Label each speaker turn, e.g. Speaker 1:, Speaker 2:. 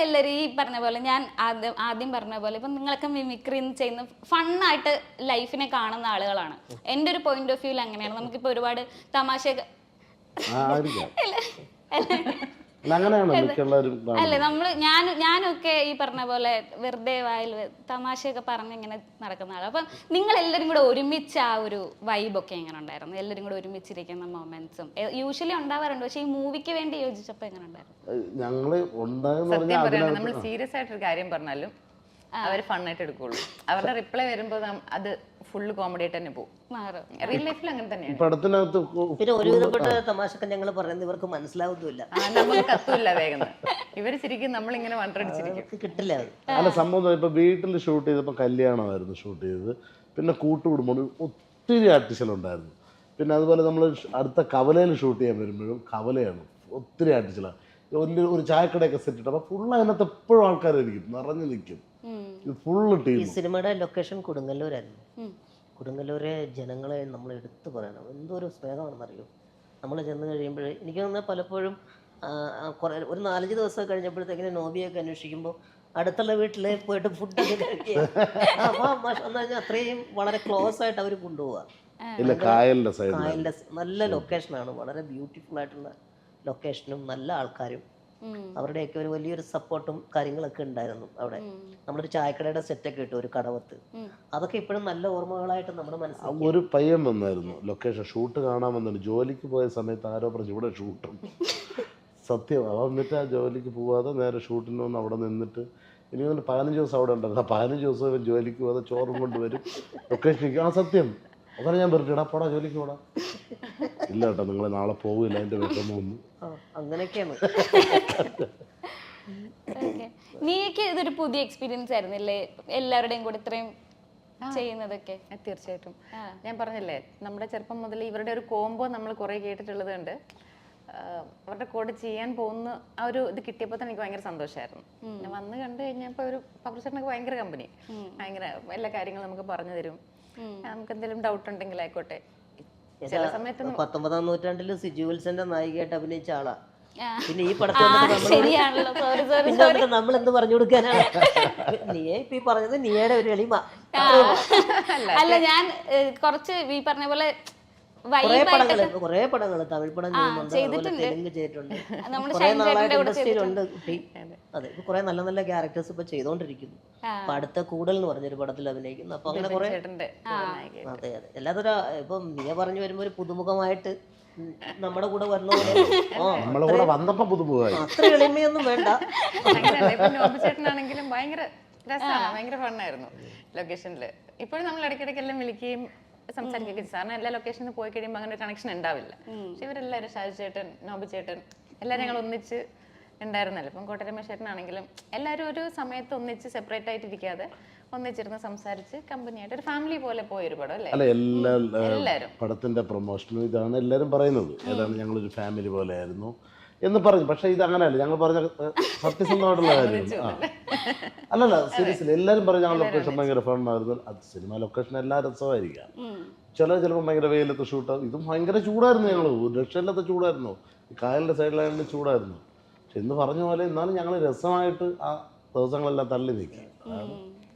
Speaker 1: നിങ്ങളെല്ലാവരും ഈ പറഞ്ഞ പോലെ ഞാൻ ആദ്യം പറഞ്ഞ പോലെ ഇപ്പം നിങ്ങളൊക്കെ മിമിക്രി ചെയ്യുന്ന ഫണ്ണായിട്ട് ലൈഫിനെ കാണുന്ന ആളുകളാണ്. എൻ്റെ ഒരു പോയിന്റ് ഓഫ് വ്യൂവിൽ അങ്ങനെയാണ്. നമുക്കിപ്പോൾ ഒരുപാട് തമാശ അല്ലേ ഞാനൊക്കെ ഈ പറഞ്ഞ പോലെ വെറുതെ വായിൽ തമാശയൊക്കെ പറഞ്ഞ് ഇങ്ങനെ നടക്കുന്ന ആളാണ്. അപ്പം നിങ്ങൾ എല്ലാവരും കൂടെ ഒരുമിച്ച് ആ ഒരു വൈബൊക്കെ എങ്ങനെ ഉണ്ടായിരുന്നു? എല്ലാവരും കൂടെ ഒരുമിച്ചിരിക്കുന്ന മൊമെന്റ്സും യൂഷ്വലി ഉണ്ടാവാറുണ്ട്, പക്ഷെ ഈ മൂവിക്ക് വേണ്ടി യോജിച്ചപ്പോൾ എങ്ങനെ
Speaker 2: ഉണ്ടായിരുന്നു? നമ്മൾ സീരിയസ് ആയിട്ടൊരു കാര്യം പറഞ്ഞാലും അവർ ഫണ്ണായിട്ട് എടുക്കുള്ളൂ. അവരുടെ റിപ്ലൈ വരുമ്പോൾ അത് ഫുള്ള് കോമഡി ആയിട്ട് തന്നെ പോകും. റിയൽ ലൈഫിൽ അങ്ങനെ തന്നെയാണ്.
Speaker 3: പിന്നെ ഒരുവിധപ്പെട്ട തമാശക്ക് ഞങ്ങൾ പറയുന്നത് ഇവർക്ക് മനസ്സിലാവുന്നില്ല,
Speaker 2: നമുക്ക് കത്തുമില്ല വേഗം. ഇവര് ശരിക്കും നമ്മളിങ്ങനെ വണ്ടടിച്ചിരിക്കും,
Speaker 3: കിട്ടില്ല.
Speaker 4: അല്ല സംഭവം ഇപ്പൊ വീട്ടിൽ ഷൂട്ട് ചെയ്തപ്പോൾ കല്യാണമായിരുന്നു ഷൂട്ട് ചെയ്തത്. പിന്നെ കൂട്ടുകുടുംബം ഒത്തിരി ആർട്ടിസ്റ്റുകളുണ്ടായിരുന്നു. പിന്നെ അതുപോലെ നമ്മൾ അടുത്ത കവലയിൽ ഷൂട്ട് ചെയ്യാൻ വരുമ്പോഴും കവലയാണ്, ഒത്തിരി ആർട്ടിസ്റ്റുകളാണ്. ഒരു ചായക്കടയൊക്കെ സെറ്റ് ഇട്ട് അപ്പോൾ ഫുള്ള് അതിനകത്ത് എപ്പോഴും ആൾക്കാരായിരിക്കും, നിറഞ്ഞു നിൽക്കും. Full team. ഈ
Speaker 3: സിനിമയുടെ ലൊക്കേഷൻ കൊടുങ്ങല്ലൂരായിരുന്നു. കൊടുങ്ങല്ലൂരെ ജനങ്ങളെ നമ്മൾ എടുത്തു പറയണം, എന്തോരു സ്നേഹമാണെന്നറിയോ. നമ്മൾ ചെന്ന് കഴിയുമ്പോൾ എനിക്ക് തോന്നുന്നത് പലപ്പോഴും കുറേ ഒരു 4-5 ദിവസം കഴിഞ്ഞപ്പോഴത്തേക്കിന് നോബിയൊക്കെ അന്വേഷിക്കുമ്പോൾ അടുത്തുള്ള വീട്ടിൽ പോയിട്ട് ഫുഡൊക്കെ കഴിക്കുക. അപ്പോൾ എന്ന് പറഞ്ഞാൽ അത്രയും വളരെ ക്ലോസ് ആയിട്ട് അവർ കൊണ്ടുപോവുക. കായലിൻ്റെ നല്ല ലൊക്കേഷനാണ്, വളരെ ബ്യൂട്ടിഫുൾ ആയിട്ടുള്ള ലൊക്കേഷനും നല്ല ആൾക്കാരും അവരുടെയൊക്കെ ഒരു വലിയൊരു സപ്പോർട്ടും കാര്യങ്ങളൊക്കെ ഉണ്ടായിരുന്നു അവിടെ. നമ്മളൊരു ചായക്കടയുടെ സെറ്റൊക്കെ ഇട്ടു ഒരു കടവത്ത്. അതൊക്കെ ഇപ്പോഴും നല്ല ഓർമ്മകളായിട്ട് നമ്മുടെ മനസ്സിൽ.
Speaker 4: ഒരു പയ്യൻ വന്നായിരുന്നു ലൊക്കേഷൻ ഷൂട്ട് കാണാൻ വന്നിട്ട്, ജോലിക്ക് പോയ സമയത്ത് ആരോ പറഞ്ഞു ഇവിടെ ഷൂട്ടും. സത്യം. അവൻ എന്നിട്ട് ആ ജോലിക്ക് പോവാതെ നേരെ ഷൂട്ടിന് വന്ന് അവിടെ നിന്നിട്ട് ഇനി 15 ദിവസം അവിടെ ഉണ്ടായിരുന്നു. 15 ദിവസം ഇവൻ ജോലിക്ക് പോകാതെ ചോറും കൊണ്ടുവരും ലൊക്കേഷനിലേക്ക്. ആ സത്യം. അതാണ് ഞാൻ പറഞ്ഞിട്ട് പോടാ ജോലിക്ക് പോടാ. ഇല്ല കേട്ടോ, നിങ്ങൾ നാളെ പോകില്ല, എൻ്റെ വീട്ടിൽ വന്നു.
Speaker 3: അങ്ങനെയൊക്കെയാണ്.
Speaker 1: നീക്ക് ഇതൊരു പുതിയ എക്സ്പീരിയൻസ് ആയിരുന്നില്ലേ എല്ലാവരുടെയും കൂടെ ഇത്രയും ചെയ്യുന്നതൊക്കെ?
Speaker 2: തീർച്ചയായിട്ടും. ഞാൻ പറഞ്ഞില്ലേ, നമ്മുടെ ചെറുപ്പം മുതൽ ഇവരുടെ ഒരു കോംബോ നമ്മൾ കുറേ കേട്ടിട്ടുള്ളത് കൊണ്ട് അവരുടെ കൂടെ ചെയ്യാൻ പോകുന്ന ആ ഒരു ഇത് കിട്ടിയപ്പോൾ തന്നെ എനിക്ക് ഭയങ്കര സന്തോഷമായിരുന്നു. ഞാൻ വന്ന് കണ്ടു കഴിഞ്ഞപ്പോൾ ഒരു പബ്ലിഷറിനൊക്കെ ഭയങ്കര കമ്പനി, ഭയങ്കര എല്ലാ കാര്യങ്ങളും നമുക്ക് പറഞ്ഞു തരും. നമുക്ക് എന്തെങ്കിലും ഡൗട്ട് ഉണ്ടെങ്കിൽ ആയിക്കോട്ടെ. ചില സമയത്ത്
Speaker 3: 19-ാം നൂറ്റാണ്ടിൽ സിജു വിൽസന്റെ നായികയായിട്ട് അഭിനയിച്ച ആളാ. പിന്നെ ഈ പടത്തിൽ നമ്മൾ എന്ത് പറഞ്ഞു കൊടുക്കാനാണ്? നീയെ ഇപ്പൊ ഈ പറഞ്ഞത് നീയുടെ ഒരു എളിമ.
Speaker 1: അല്ല ഞാൻ കുറച്ച് ഈ പറഞ്ഞ പോലെ
Speaker 3: കുറേ പടങ്ങള് തമിഴ് പടം ചെയ്യുന്നുണ്ട്, തെലുങ്ക് ചെയ്തിട്ടുണ്ട്, കുറെ നാളായിട്ട് ഇൻഡസ്ട്രിയിലുണ്ട് കുട്ടി. അതെ, ഇപ്പൊ കുറെ നല്ല നല്ല ക്യാരക്ടേഴ്സ് ഇപ്പൊ ചെയ്തോണ്ടിരിക്കുന്നു. അപ്പൊ അടുത്ത കൂടൽ എന്ന് പറഞ്ഞൊരു പടത്തിൽ അഭിനയിക്കുന്നു. അപ്പൊ അങ്ങനെ കുറെ. അതെ അതെ, എല്ലാതൊരു ഇപ്പൊ നീ പറഞ്ഞു വരുമ്പോ ഒരു പുതുമുഖമായിട്ട് നമ്മുടെ കൂടെ വന്ന പോലെ അത്ര എളിമയൊന്നും വേണ്ട.
Speaker 2: ചേട്ടനാണെങ്കിലും ഭയങ്കര രസമാണ്, ഭയങ്കര ഫണ്ണായിരുന്നു ലൊക്കേഷനിൽ. ഇപ്പോഴും നമ്മൾ ഇടയ്ക്കിടയ്ക്കെല്ലാം വിളിക്കുകയും സംസാരിക്കുകയൊക്കെ. സാറിന് എല്ലാ ലൊക്കേഷനിൽ പോയി കഴിയുമ്പോൾ അങ്ങനെ ഒരു കണക്ഷൻ ഉണ്ടാവില്ല. പക്ഷെ ഇവരെല്ലാവരും ഷാജു ചേട്ടൻ, നോബി ചേട്ടൻ എല്ലാവരും ഞങ്ങൾ ഒന്നിച്ച് ഉണ്ടായിരുന്നല്ലോ. ഇപ്പം കോട്ടരമേശ് ചേട്ടനാണെങ്കിലും എല്ലാവരും ഒരു സമയത്ത് ഒന്നിച്ച് സെപ്പറേറ്റ് ആയിട്ടിരിക്കാതെ ഒന്നിച്ചിരുന്ന് സംസാരിച്ച് കമ്പനിയായിട്ട് ഒരു ഫാമിലി പോലെ പോയൊരു പടം അല്ലേ?
Speaker 4: എല്ലാവരും പടത്തിന്റെ പ്രൊമോഷനും ഇതാണ് എല്ലാവരും പറയുന്നത്. ഏതാണ് ഞങ്ങളൊരു ഫാമിലി പോലെ ആയിരുന്നു എന്ന് പറഞ്ഞു. പക്ഷെ ഇത് അങ്ങനെയല്ല, ഞങ്ങൾ പറഞ്ഞ സത്യസന്ധമായിട്ടുള്ള കാര്യമാണ്. അല്ലല്ല, സീരിയസ്ലി എല്ലാവരും പറഞ്ഞു ഞങ്ങൾ ലൊക്കേഷൻ ഭയങ്കര ഫണ്ണായിരുന്നു. അത് സിനിമ ലൊക്കേഷൻ എല്ലാ രസമായിരിക്കാം. ചിലപ്പോൾ ഭയങ്കര വെയിലത്ത് ഷൂട്ട്, ഇതും ഭയങ്കര ചൂടായിരുന്നു. ഞങ്ങൾ ഒരു രക്ഷയില്ലാത്ത ചൂടായിരുന്നു. ഈ കായലിൻ്റെ സൈഡിലായതുകൊണ്ട് ചൂടായിരുന്നു. പക്ഷെ എന്ന് പറഞ്ഞ പോലെ എന്നാലും ഞങ്ങൾ രസമായിട്ട് ആ ദിവസങ്ങളെല്ലാം തള്ളി നീക്കി.